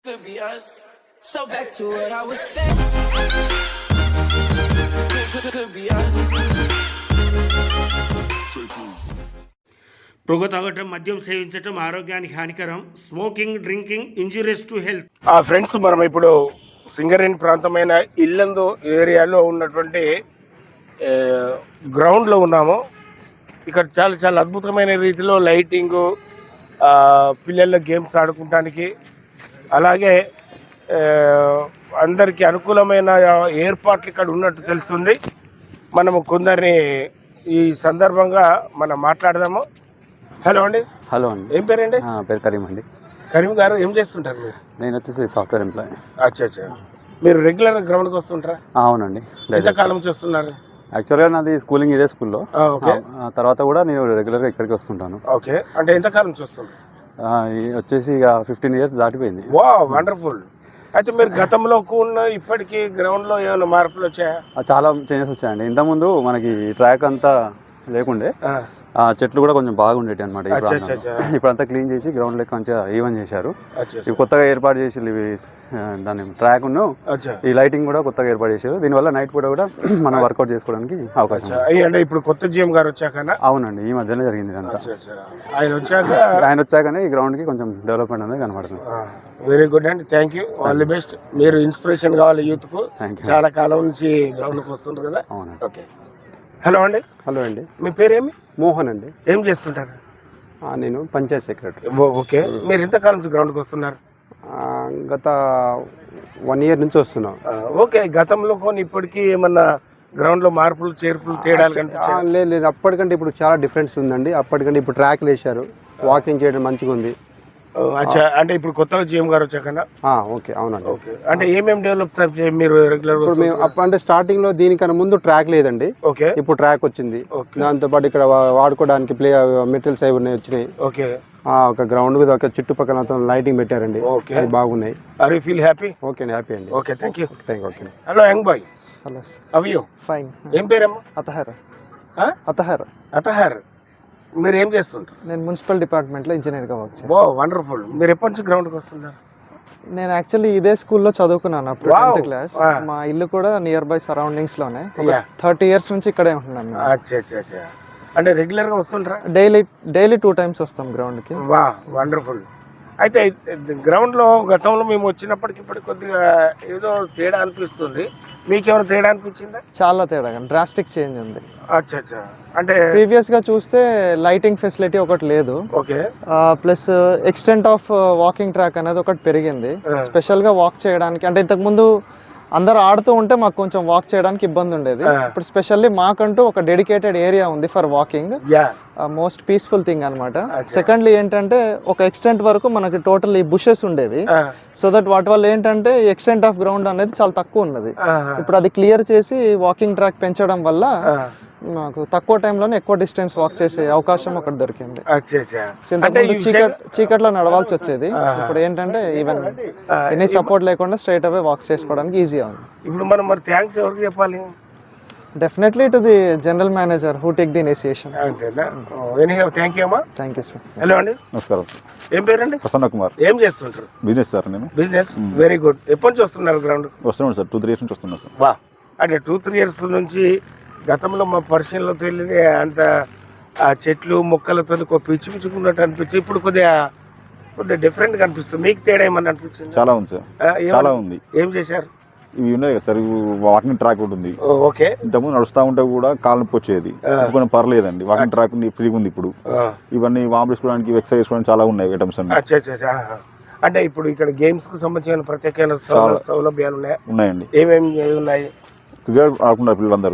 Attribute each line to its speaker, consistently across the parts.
Speaker 1: Could be us. So back to what I was saying. Could be us.
Speaker 2: పొగ తాగటం, మద్యం సేవించటం ఆరోగ్యానికి హానికరం. Smoking, drinking injurious to health. Friends, మనం ఇప్పుడు సింగరేణి ప్రాంతమైన ఇల్లందు ఏరియాలో ఉన్నటువంటి గ్రౌండ్లో ఉన్నాము. ఇక్కడ చాలా చాలా అద్భుతమైన రీతిలో లైటింగు, పిల్లల గేమ్స్ ఆడుకోవడానికి, అలాగే అందరికీ అనుకూలమైన ఏర్పాట్లు ఇక్కడ ఉన్నట్టు తెలుస్తుంది. మనము కొందరిని ఈ సందర్భంగా మనం మాట్లాడదాము. హలో అండి.
Speaker 3: హలో అండి.
Speaker 2: ఏం పేరండి?
Speaker 3: పేరు కరీం అండి.
Speaker 2: కరీం గారు, ఏం చేస్తుంటారు మీరు?
Speaker 3: నేను వచ్చేసి సాఫ్ట్వేర్ ఎంప్లాయ్.
Speaker 2: అచ్చా. మీరు రెగ్యులర్ గ్రౌండ్కి వస్తుంటారా?
Speaker 3: అవునండి.
Speaker 2: ఎంతకాలం చేస్తున్నారు?
Speaker 3: యాక్చువల్గా నాది స్కూలింగ్ ఇదే స్కూల్లో. తర్వాత కూడా నేను రెగ్యులర్గా ఇక్కడికి వస్తుంటాను.
Speaker 2: ఓకే, అంటే ఎంతకాలం చూస్తున్నారు?
Speaker 3: వచ్చేసి ఇక 15 years దాటిపోయింది.
Speaker 2: వా, వండర్ఫుల్. అయితే మీరు గతంలో ఉన్న ఇప్పటికీ గ్రౌండ్లో ఏమైనా మార్పులు వచ్చాయా?
Speaker 3: చాలా చేంజెస్ వచ్చాయండి. ఇంతకుముందు మనకి ట్రాక్ అంతా లేకుండే, చెట్లు కూడా కొంచెం బాగుండేటి అనమాట. ఇప్పుడంతా క్లీన్ చేసి గ్రౌండ్ లెక్క మంచిగా ఈవెన్ చేశారు. ఇవి కొత్తగా ఏర్పాటు చేసి దాని ట్రాక్ ఈ లైటింగ్ కూడా కొత్తగా ఏర్పాటు చేశారు. దీనివల్ల నైట్ పూట కూడా మనం వర్కౌట్ చేసుకోవడానికి అవకాశం.
Speaker 2: అంటే ఇప్పుడు కొత్త జిఎం గారు వచ్చాక?
Speaker 3: అవునండి, ఈ మధ్యలో జరిగింది ఇదంతా.
Speaker 2: ఆయన
Speaker 3: వచ్చాకనే ఈ గ్రౌండ్ కి కొంచెం డెవలప్మెంట్ అనేది కనబడుతుంది.
Speaker 2: వెరీ గుడ్ అండి, thank you, all the best. మీరు ఇన్స్పిరేషన్ కావాలి యూత్ కు. చాలా కాలం నుంచి గ్రౌండ్ కి వస్తుంటారు కదా.
Speaker 3: అవునండి.
Speaker 2: ఓకే. హలో అండి.
Speaker 4: హలో అండి.
Speaker 2: మీ పేరేమి?
Speaker 4: మోహన్ అండి.
Speaker 2: ఏం చేస్తుంటారు?
Speaker 4: నేను పంచాయత్ సెక్రటరీ.
Speaker 2: ఓకే. మీరు ఎంతకాలం నుంచి గ్రౌండ్కి వస్తున్నారు?
Speaker 4: గత 1 year నుంచి వస్తున్నాం.
Speaker 2: ఓకే. గతంలో కొన్ని ఇప్పటికీ ఏమన్నా గ్రౌండ్లో మార్పులు, చేర్పులు, తేడాలు కనిపించాయి?
Speaker 4: లేదు, అప్పటికంటే ఇప్పుడు చాలా డిఫరెన్స్ ఉందండి. అప్పటికంటే ఇప్పుడు ట్రాక్లు వేశారు, వాకింగ్ చేయడం మంచిగా ఉంది.
Speaker 2: అచ్చా, అంటే ఇప్పుడు కొత్తగా జిఎం గారు వచ్చాకన్నా?
Speaker 4: ఓకే, అవునండి.
Speaker 2: ఓకే, అంటే ఏమేమి డెవలప్ మీరు రెగ్యులర్?
Speaker 4: అంటే స్టార్టింగ్ లో దీనికన్నా ముందు ట్రాక్ లేదండి.
Speaker 2: ఓకే.
Speaker 4: ఇప్పుడు ట్రాక్ వచ్చింది. దాంతో పాటు ఇక్కడ వాడుకోవడానికి మెటీరియల్స్ అవి ఉన్నాయి, వచ్చినాయి.
Speaker 2: ఓకే.
Speaker 4: ఒక గ్రౌండ్ మీద ఒక చుట్టుపక్కల లైటింగ్ పెట్టారండి. అది బాగున్నాయి.
Speaker 2: Are you feel happy?
Speaker 4: Okay అండి, హ్యాపీ అండి.
Speaker 2: Okay, thank you.
Speaker 4: Okay.
Speaker 2: Hello young boy.
Speaker 4: Hello.
Speaker 2: How you?
Speaker 4: Fine.
Speaker 2: ఏం పేరమ్మా?
Speaker 4: అతహర్.
Speaker 2: మీరు ఏం చేస్తుంటారు?
Speaker 4: నేను మున్సిపల్ డిపార్ట్మెంట్లో ఇంజనీర్గా వర్క్ చేస్తాను.
Speaker 2: ఓ, వండర్ఫుల్. మీరు ఎప్పటి నుంచి గ్రౌండ్కి వస్తున్నారు?
Speaker 4: నేను యాక్చువల్లీ ఇదే స్కూల్లో చదువుకున్నాను అప్పుడు 10th క్లాస్. మా ఇల్లు కూడా నియర్ బై సరౌండింగ్స్ లోనే. 30 years నుంచి ఇక్కడే ఉంటున్నాను.
Speaker 2: అంటే రెగ్యులర్ గా వస్తుంటారా?
Speaker 4: డైలీ 2 times వస్తాం గ్రౌండ్ కి.
Speaker 2: వా, వండర్ఫుల్. అయితే గ్రౌండ్ లో గతంలో మేము వచ్చినప్పటికి ఇప్పటికి కొద్దిగా ఏదో తేడా అనిపిస్తుంది. మీకేమైనా తేడా అనిపించిందా?
Speaker 4: చాలా తేడా, డ్రాస్టిక్ చేంజ్ ఉంది.
Speaker 2: అచ్చా. అంటే
Speaker 4: ప్రీవియస్ గా చూస్తే లైటింగ్ ఫెసిలిటీ ఒకటి లేదు.
Speaker 2: Okay.
Speaker 4: Plus extent of walking track అనేది ఒకటి పెరిగింది. స్పెషల్ గా వాక్ చేయడానికి, అంటే ఇంతకు ముందు అందరు ఆడుతూ ఉంటే మాకు కొంచెం వాక్ చేయడానికి ఇబ్బంది ఉండేది. ఇప్పుడు స్పెషల్లీ మాకంటూ ఒక డెడికేటెడ్ ఏరియా ఉంది for walking. Most peaceful thing అనమాట. సెకండ్లీ ఏంటంటే ఒక ఎక్స్టెంట్ వరకు మనకి టోటల్ ఈ బుషెస్ ఉండేవి. సో దట్ వాటి వల్ల ఏంటంటే ఎక్స్టెంట్ ఆఫ్ గ్రౌండ్ అనేది చాలా తక్కువ ఉన్నది. ఇప్పుడు అది క్లియర్ చేసి వాకింగ్ ట్రాక్ పెంచడం వల్ల మాకు తక్కువ టైంలోనే ఎక్కువ డిస్టెన్స్ వాక్ చేసే అవకాశం ఒకటి దొరికింది. చీకట్లో నడవాల్సి వచ్చేది. ఇప్పుడు ఏంటంటే ఈవెన్ ఎనీ సపోర్ట్ లేకుండా స్ట్రైట్ అవే వాక్ చేసుకోవడానికి ఈజీగా ఉంది.
Speaker 2: ఇప్పుడు మనం మరి థ్యాంక్స్ ఎవరికి చెప్పాలి?
Speaker 4: Definitely to the general manager who take the initiation.
Speaker 2: Thank you అమ్మా.
Speaker 4: Thank you sir.
Speaker 2: హలో అండి.
Speaker 5: నమస్కారం.
Speaker 2: ఏం పేరండి?
Speaker 5: ప్రసన్న కుమార్.
Speaker 2: ఏం చేస్తుంటారు?
Speaker 5: Business sir. నేను
Speaker 2: బిజినెస్. Very good. ఎప్పటి నుంచి వస్తున్నారు గ్రౌండ్?
Speaker 5: వస్తున్నాను సార్, 2-3 years నుంచి వస్తున్నాను సార్.
Speaker 2: వా, అంటే 2-3 years నుంచి. గతంలో మా పరిశీలనలో తెలియదు అంత ఆ చెట్లు మొక్కలతో పిచ్చుకున్నట్టు అనిపించి ఇప్పుడు కొద్దిగా డిఫరెంట్గా అనిపిస్తుంది. మీకు తేడా ఏమన్నా అనిపించింది?
Speaker 5: చాలా ఉంది సార్, చాలా ఉంది.
Speaker 2: ఏం చేశారు?
Speaker 5: ఇవి ఉన్నాయి కదా సార్, వాకింగ్ ట్రాక్ ఉంటుంది.
Speaker 2: ఓకే.
Speaker 5: ఇంతకుముందు నడుస్తూ ఉంటే కూడా కాలు నొప్పి వచ్చేది, కొంచెం పర్లేదండి. వాకింగ్ ట్రాక్ ఫ్రీగా ఉంది ఇప్పుడు. ఇవన్నీ వామ్ చేసుకోవడానికి, ఎక్సర్సైజ్ చేసుకోవడానికి చాలా ఉన్నాయి ఐటమ్స్ అన్ని.
Speaker 2: అంటే ఇప్పుడు ఇక్కడ గేమ్స్ కు సంబంధించిన ప్రత్యేకమైన సౌలభ్యాలు
Speaker 5: ఉన్నాయండి.
Speaker 2: ఏమేమి ఉన్నాయి?
Speaker 5: క్రికెట్ ఆడుకుంటారు పిల్లలందరూ.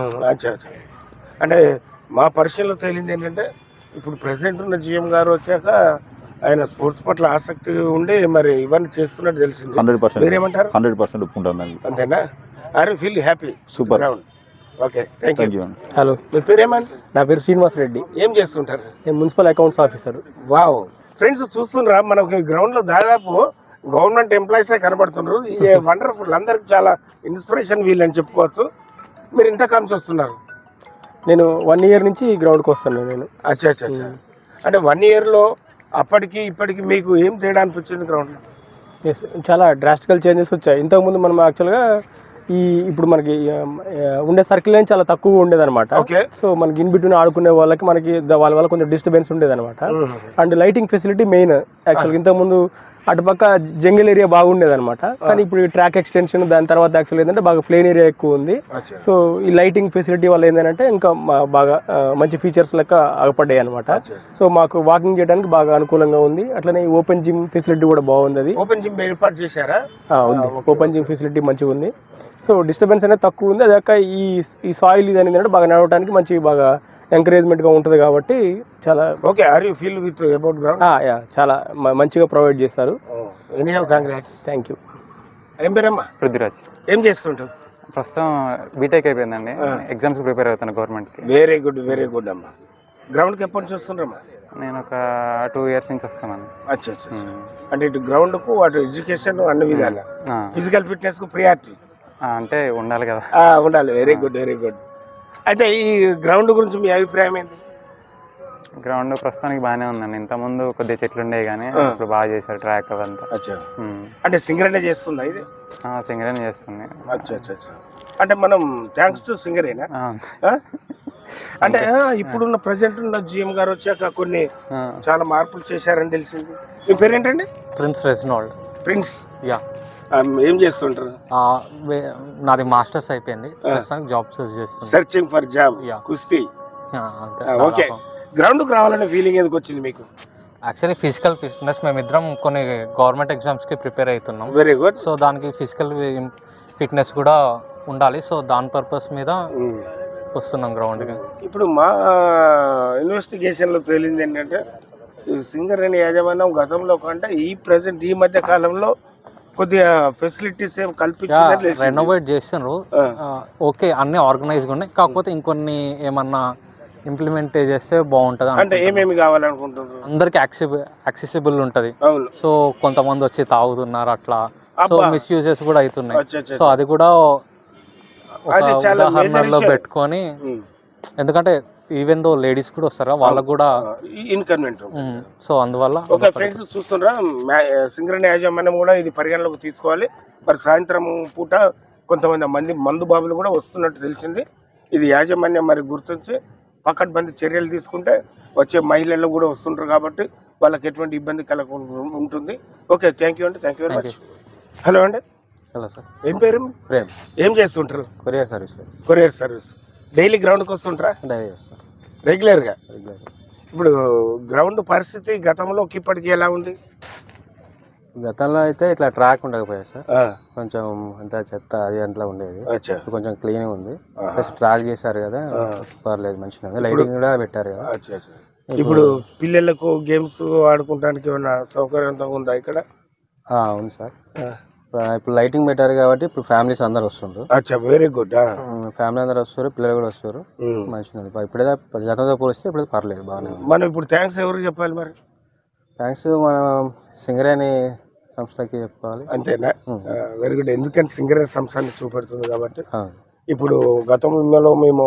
Speaker 2: అంటే మా పరిశీలనలో తేలింది ఏంటంటే ఇప్పుడు ప్రెసిడెంట్ ఉన్న జిఎం గారు వచ్చాక ఆయన స్పోర్ట్స్ పట్ల ఆసక్తి ఉండి మరి ఇవన్నీ చేస్తున్నట్టు తెలిసింది.
Speaker 5: 100%.
Speaker 2: మీరేమంటారు?
Speaker 5: 100% ఒప్పుకుంటాను.
Speaker 2: అంతేనా? Are you feel happy?
Speaker 5: Super.
Speaker 2: Okay, thank you.
Speaker 6: Hello,
Speaker 2: మీ పేరేమంటారు?
Speaker 6: నా పేరు శ్రీనివాస్ రెడ్డి.
Speaker 2: ఏం చేస్తుంటారు?
Speaker 6: నేను municipal accounts officer.
Speaker 2: Wow. Friends చూస్తున్నారా, మనకి గ్రౌండ్ లో దాదాపు గవర్నమెంట్ ఎంప్లాయీసే కనబడుతున్నారు. ఇది వండర్ఫుల్. అందరికి చాలా ఇన్స్పిరేషన్ వీళ్ళని చెప్పుకోవచ్చు. మీరు ఇంతకాలం వస్తున్నారు?
Speaker 6: నేను 1 year నుంచి ఈ గ్రౌండ్కి వస్తాను నేను.
Speaker 2: అచ్చా. అంటే 1 year లో అప్పటికి ఇప్పటికి మీకు ఏం తేడా అనిపించింది గ్రౌండ్లో?
Speaker 6: ఎస్, చాలా డ్రాస్టికల్ చేంజెస్ వచ్చాయి. ఇంతకుముందు మనం యాక్చువల్గా ఇప్పుడు మనకి ఉండే సర్కిల్ లైన్ చాలా తక్కువ ఉండేదన్నమాట.
Speaker 2: Okay.
Speaker 6: సో మనకి ఇన్ బిట్వీన్ ఆడుకునే వాళ్ళకి మనకి వాళ్ళ వల్ల కొంచెం డిస్టర్బెన్స్ ఉండేదన్నమాట. అండ్ లైటింగ్ ఫెసిలిటీ మెయిన్ యాక్చువల్గా. ఇంతకుముందు అటుపక్క జంగిల్ ఏరియా బాగుండేదన్నమాట. కానీ ఇప్పుడు ఈ ట్రాక్ ఎక్స్టెన్షన్ దాని తర్వాత యాక్చువల్ ఏంటంటే బాగా ప్లేన్ ఏరియా ఎక్కువ ఉంది. సో ఈ లైటింగ్ ఫెసిలిటీ వల్ల ఏంటంటే ఇంకా బాగా మంచి ఫీచర్స్ లెక్క అగపడ్డాయి అనమాట. సో మాకు వాకింగ్ చేయడానికి బాగా అనుకూలంగా ఉంది. అట్లనే ఓపెన్ జిమ్ ఫెసిలిటీ కూడా బాగుంది. అది
Speaker 2: ఓపెన్ జిమ్ ఏర్పాటు చేశారా?
Speaker 6: ఉంది, ఓపెన్ జిమ్ ఫెసిలిటీ మంచిగా ఉంది. సో డిస్టర్బెన్స్ అనేది తక్కువ ఉంది. అదాక ఈ సాయిల్ ఇది అనేది బాగా నడవడానికి మంచి బాగా ఎంకరేజ్మెంట్గా ఉంటుంది కాబట్టి చాలా
Speaker 2: okay. Are you feel with about ground?
Speaker 6: చాలా మంచిగా ప్రొవైడ్ చేస్తారు.
Speaker 2: Anyhow congrats.
Speaker 6: Thank you.
Speaker 2: ఏం పేరమ్మా?
Speaker 7: పృథ్వీరాజ్.
Speaker 2: ఏం చేస్తుంటావు?
Speaker 7: ప్రస్తుతం బీటెక్ అయిపోయిందండి. ఎగ్జామ్స్ ప్రిపేర్ అవుతాను గవర్నమెంట్కి.
Speaker 2: వెరీ గుడ్, వెరీ గుడ్ అమ్మా. గ్రౌండ్కి ఎప్పటి నుంచి వస్తుండ్రమ్మా?
Speaker 7: నేను ఒక 2 years నుంచి వస్తున్నాను.
Speaker 2: అచ్చా. అంటే ఇటు గ్రౌండ్కు అటు ఎడ్యుకేషన్ అన్ని విధాలా ఫిజికల్ ఫిట్నెస్కు ప్రియారిటీ
Speaker 7: అంటే ఉండాలి కదా.
Speaker 2: ఉండాలి. Very good, very good. అయితే ఈ గ్రౌండ్ గురించి మీ అభిప్రాయం ఏంటి?
Speaker 7: గ్రౌండ్ ప్రస్తుతానికి బాగానే ఉందండి. ఇంతకుముందు కొద్దిగా చెట్లు ఉండేవి కానీ ఇప్పుడు బాగా చేశారు ట్రాక్ అవంతా.
Speaker 2: అచ్చా. అంటే సింగరేనే చేస్తుందా ఇది?
Speaker 7: సింగరేనే చేస్తుంది.
Speaker 2: అచ్చా. అంటే మనం థ్యాంక్స్ టు సింగరేనా? అంటే ఇప్పుడున్న ప్రజెంట్ ఉన్న జిఎం గారు వచ్చాక కొన్ని చాలా మార్పులు చేశారని తెలిసింది. మీ పేరేంటండి?
Speaker 8: Prince Reginald.
Speaker 2: ప్రిన్స్.
Speaker 8: యా.
Speaker 2: ఏం చేస్తుంటారు?
Speaker 8: నాది మాస్టర్స్ అయిపోయింది. ప్రస్తుతానికి జాబ్ సర్చ్ చేస్తుంది.
Speaker 2: Searching for job. కుస్తీ. ఓకే. గ్రౌండ్కి రావాలనే ఫీలింగ్ ఎందుకు వచ్చింది మీకు?
Speaker 8: యాక్చువల్లీ ఫిజికల్ ఫిట్నెస్ మేమిద్దరం కొన్ని గవర్నమెంట్ ఎగ్జామ్స్కి ప్రిపేర్ అవుతున్నాం.
Speaker 2: Very good.
Speaker 8: సో దానికి ఫిజికల్ ఫిట్నెస్ కూడా ఉండాలి. సో దాని పర్పస్ మీద వస్తున్నాం గ్రౌండ్కి.
Speaker 2: ఇప్పుడు మా ఇన్వెస్టిగేషన్లో తేలింది ఏంటంటే సింగరేణి యాజమాన్యం గతంలో కంటే ఈ మధ్య కాలంలో కొద్దిగా ఫెసిలిటీస్ ఏం కల్పించింది.
Speaker 8: రెనోవేట్ చేస్తున్నారు. ఓకే, అన్ని ఆర్గనైజ్గా ఉన్నాయి. కాకపోతే ఇంకొన్ని ఏమన్నా ఇంప్లిమెంట్ చేస్తే బాగుంటుంది.
Speaker 2: అంటే ఏమేమి కావాలనుకుంటున్నారు?
Speaker 8: అందరికి యాక్సెసిబుల్ ఉంటుంది. సో కొంతమంది వచ్చి తాగుతున్నారు అట్లా. సో మిస్యూజెస్ కూడా అవుతున్నాయి. సో అది కూడా ఉదాహరణలో పెట్టుకొని, ఎందుకంటే ఈవెన్ దో లేడీస్ కూడా వస్తారా, వాళ్ళకు కూడా
Speaker 2: ఇన్కన్వెంట్.
Speaker 8: సో అందువల్ల
Speaker 2: ఓకే ఫ్రెండ్స్, చూస్తున్నారా సింగరేణి యాజమాన్యం కూడా ఇది పరిగణలోకి తీసుకోవాలి. మరి సాయంత్రం పూట కొంతమంది మందు బాబులు కూడా వస్తున్నట్టు తెలిసింది. ఇది యాజమాన్యం మరి గుర్తించి పకడ్బందీ చర్యలు తీసుకుంటే వచ్చే మహిళలు కూడా వస్తుంటారు కాబట్టి వాళ్ళకి ఎటువంటి ఇబ్బంది కలగకుండా ఉంటుంది. ఓకే, థ్యాంక్ యూ అండి. Thank you very much. Hello అండి.
Speaker 3: Hello sir.
Speaker 2: ఏం పేరు?
Speaker 3: ప్రేమ్.
Speaker 2: ఏం చేస్తుంటారు?
Speaker 3: Courier service.
Speaker 2: Courier service. Daily గ్రౌండ్కి వస్తుంటారా?
Speaker 3: డైలీ వస్తాం
Speaker 2: రెగ్యులర్గా. ఇప్పుడు గ్రౌండ్ పరిస్థితి గతంలోకి ఇప్పటికి ఎలా ఉంది?
Speaker 3: గతంలో అయితే ఇట్లా ట్రాక్ ఉండకపోయా సార్. కొంచెం అంతా చెత్త అది అంతా ఉండేది. కొంచెం క్లీన్ ఉంది. ప్లస్ ట్రాక్ చేశారు కదా, పర్లేదు మంచిగా ఉంది. లైటింగ్ కూడా పెట్టారు కదా.
Speaker 2: ఇప్పుడు పిల్లలకు గేమ్స్ ఆడుకోవడానికి ఏమైనా సౌకర్యంతో ఉందా ఇక్కడ?
Speaker 3: ఉంది సార్. ఇప్పుడు లైటింగ్ పెట్టారు కాబట్టి ఇప్పుడు ఫ్యామిలీస్ అందరు వస్తుండ్రు.
Speaker 2: అచ్చా, వెరీ గుడ్.
Speaker 3: ఫ్యామిలీ అందరు వస్తారు, పిల్లలు కూడా వస్తారు. మంచిగా ఉంది. ఇప్పుడైతే గతంతో పోలిస్తే ఇప్పుడు పర్లేదు, బాగానే ఉంది.
Speaker 2: మనం ఇప్పుడు థ్యాంక్స్ ఎవరికి చెప్పాలి మరి?
Speaker 3: థ్యాంక్స్ మనం సింగరేణి సంస్థకి చెప్పాలి.
Speaker 2: అంతేనా? Very good. ఎందుకంటే సింగరేణి సంస్థని చూపెడుతుంది కాబట్టి. ఇప్పుడు గతంలో మేము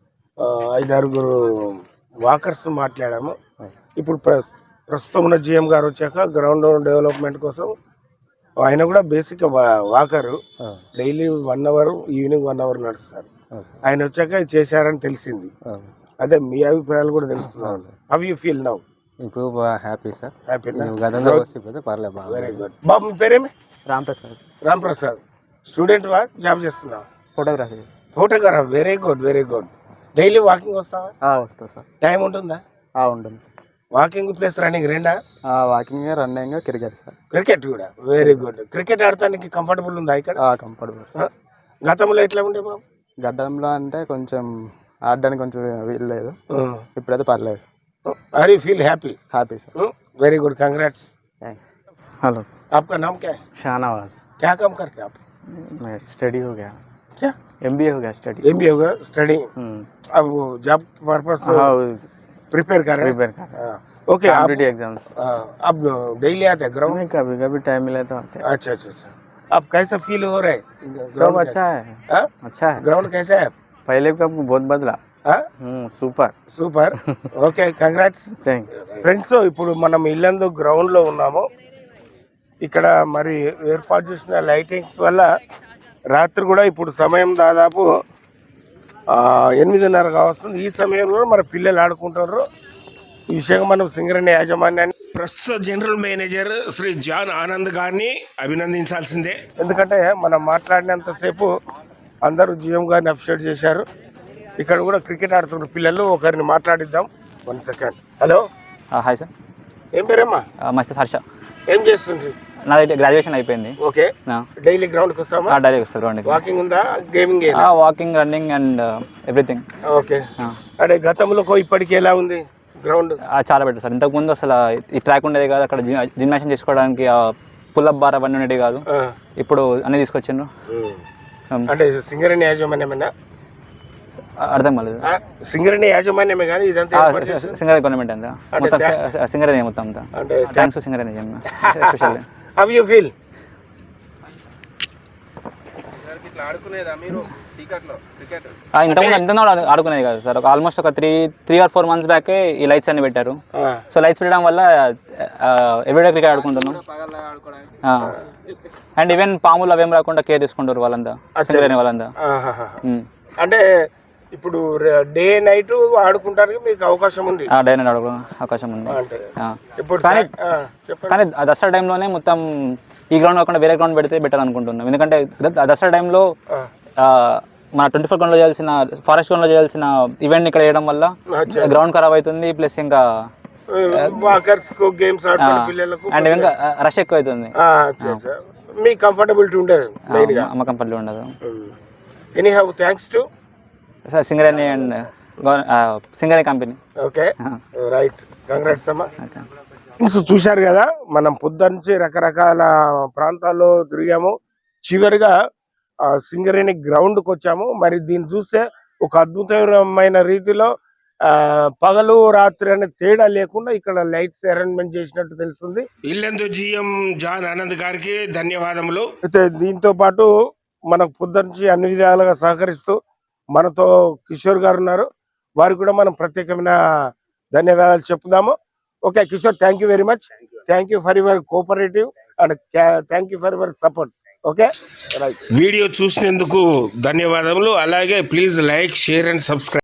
Speaker 2: 5-6 వాకర్స్ మాట్లాడాము. ఇప్పుడు ప్రస్తుతం ఉన్న జిఎం గారు వచ్చాక గ్రౌండ్ డెవలప్మెంట్ కోసం ఆయన కూడా basic walker. Daily 1 hour, evening 1 hour నడుస్తారు. ఆయన వచ్చాక చేశారని తెలిసింది. అదే మీ అభిప్రాయాలు కూడా తెలుస్తున్నాను. How you feel now?
Speaker 3: ఇప్పుడు హ్యాపీ సార్. హ్యాపీ. పర్లేదు,
Speaker 2: వెరీ గుడ్. బాబు మీ పేరేమి?
Speaker 6: రాంప్రసాద్.
Speaker 2: రాంప్రసాద్. స్టూడెంట్ వా జాబ్ చేస్తున్నావు?
Speaker 6: Photography.
Speaker 2: Photograph. Very good, very good. Daily walking వస్తావా?
Speaker 6: వస్తా సార్.
Speaker 2: టైం ఉంటుందా?
Speaker 6: ఉంటుంది సార్.
Speaker 2: వాకింగ్ ప్లస్ రన్నింగ్ రెండా?
Speaker 6: Walking, running, cricket sir.
Speaker 2: Cricket కూడా. Very good. క్రికెట్ ఆడటానికి కంఫర్టబుల్ ఉందా ఇక్కడ?
Speaker 6: కంఫర్టబుల్.
Speaker 2: గతంలో ఎట్లా ఉండే బాబు?
Speaker 6: గడ్డంలో అంటే కొంచెం ఆడడానికి కొంచెం వీలు లేదు. ఇప్పుడైతే పర్లేదు sir.
Speaker 2: Are you feel happy?
Speaker 6: Happy sir.
Speaker 2: Very good, congrats.
Speaker 6: Thanks. Hello.
Speaker 2: आपका नाम क्या है?
Speaker 6: शाहनवाज.
Speaker 2: क्या काम करते हैं आप?
Speaker 6: मैं स्टडी हो गया.
Speaker 2: क्या?
Speaker 6: MBA हो गया स्टडी.
Speaker 2: MBA हो गया स्टडी. अब जॉब पर्पस प्रिपेयर कर रहे हैं? ओके.
Speaker 6: Competitive exams.
Speaker 2: अब डेली आते हैं ग्राउंड?
Speaker 6: कभी कभी टाइम मिले तो आते हैं.
Speaker 2: अच्छा अच्छा अच्छा. अब कैसा फील हो रहा है?
Speaker 6: सब अच्छा है. अच्छा है.
Speaker 2: ग्राउंड कैसा है?
Speaker 6: पहले का बहुत बदला. Super
Speaker 2: super. Okay, congrats.
Speaker 6: Thanks.
Speaker 2: Friends, ఇప్పుడు మనం ఇల్లందు గ్రౌండ్లో ఉన్నాము. ఇక్కడ మరి ఏర్పాటు చేసిన లైటింగ్స్ వల్ల రాత్రి కూడా ఇప్పుడు సమయం దాదాపు 8:30 కావస్తుంది. ఈ సమయంలో మరి పిల్లలు ఆడుకుంటారు. ఈ విషయంగా మనం సింగరేణి యాజమాన్యాన్ని, ప్రస్తుత general manager Shri John Anand గారిని అభినందించాల్సిందే. ఎందుకంటే మనం మాట్లాడినంతసేపు అందరూ జిఎం గారిని అప్రిషియేట్ చేశారు. ఇక్కడ కూడా క్రికెట్ ఆడుతున్నారు పిల్లలు. ఒకరిని మాట్లాడిద్దాం. 1 సెకండ్. Hello,
Speaker 9: hi sir.
Speaker 2: ఏం పేరమ్మా?
Speaker 9: మస్త్ హర్ష.
Speaker 2: ఏం చేస్తుంది?
Speaker 9: నాది గ్రాడ్యుయేషన్ అయిపోయింది.
Speaker 2: ఓకే. డైలీ గ్రౌండ్కి వస్తామా?
Speaker 9: డైలీ వస్తాను గ్రౌండ్కి.
Speaker 2: వాకింగ్ ఉందా? Gaming?
Speaker 9: Walking, running and everything.
Speaker 2: Okay. అంటే గతంలో ఇప్పటికి ఎలా ఉంది గ్రౌండ్?
Speaker 9: చాలా బెటర్ సార్. ఇంతకుముందు అసలు ఈ ట్రాక్ ఉండేది కాదు. అక్కడ జిమ్నాషన్ చేసుకోవడానికి పుల్అప్ బార్ అవన్నీ ఉండేవి కాదు. ఇప్పుడు అన్నీ తీసుకొచ్చిండ్రు.
Speaker 2: అంటే సింగరేణి యాజమాన్యమేనా?
Speaker 9: అర్థం కాలేదు.
Speaker 2: సింగరేణి యాజమాన్యమే కానీ ఇదంతా
Speaker 9: సింగరేణి గవర్నమెంట్ అంతా మొత్తం సింగరేణి మొత్తం అంతా.
Speaker 2: అంటే
Speaker 9: thanks to Singareni especially.
Speaker 2: How you feel?
Speaker 9: ఇంతకుముందు ఆడుకునేది కాదు సార్. ఆల్మోస్ట్ ఒక 3 or 4 months బ్యాకే ఈ లైట్స్ అన్ని పెట్టారు. సో లైట్స్ పెట్టడం వల్ల ఎవ్రీడే క్రికెట్ ఆడుకుంటున్నాం. అండ్ ఈవెన్ పాములు అవేం రాకుండా కేర్ తీసుకుంటారు వాళ్ళంతా, సింగరేణి వాళ్ళంతా.
Speaker 2: అంటే ఇప్పుడు డే నైట్ ఆడుకుంటానికి మీకు అవకాశం ఉంది?
Speaker 9: డే నైట్ ఆడుకో అవకాశం ఉంది.
Speaker 2: ఇప్పుడు
Speaker 9: కానీ దసరా టైంలోనే మొత్తం ఈ గ్రౌండ్ కాకుండా వేరే గ్రౌండ్ పెడితే బెటర్ అనుకుంటున్నాం. ఎందుకంటే దసరా టైంలో మన 24 గ్రౌండ్లో చేయాల్సిన, ఫారెస్ట్ గ్రౌండ్లో చేయాల్సిన ఈవెంట్ ఇక్కడ వేయడం వల్ల గ్రౌండ్ ఖరాబ్ అవుతుంది. ప్లస్ ఇంకా అండ్ ఇంకా రష్ ఎక్కువ అవుతుంది.
Speaker 2: మీ కంఫర్టబిలిటీ ఉండదు,
Speaker 9: మా కంఫర్టబుల్ ఉండదు.
Speaker 2: Anyhow thanks to
Speaker 9: Singareni and Singareni company.
Speaker 2: Okay, right. Congrats అమ్మా. చూశారు కదా, మనం పొద్దున్నుంచి రకరకాల ప్రాంతాల్లో తిరిగాము. చివరిగా సింగరేణి గ్రౌండ్కి వచ్చాము. మరి దీన్ని చూస్తే ఒక అద్భుతమైన రీతిలో పగలు రాత్రి అనే తేడా లేకుండా ఇక్కడ లైట్స్ అరేంజ్మెంట్ చేసినట్టు తెలుస్తుంది. ఇల్లెందు జిఎం జాన్ ఆనంద్ గారికి ధన్యవాదములు. అయితే దీంతో పాటు మనకు పొద్దున్నుంచి అన్ని విధాలుగా సహకరిస్తూ మనతో కిషోర్ గారు ఉన్నారు. వారికి కూడా మనం ప్రత్యేకమైన ధన్యవాదాలు చెప్పుదాము. Okay Kishore, thank you very much. Thank you for your cooperative and thank you for your support. Okay, right. Video చూసినందుకు ధన్యవాదములు. అలాగే please like, share and subscribe.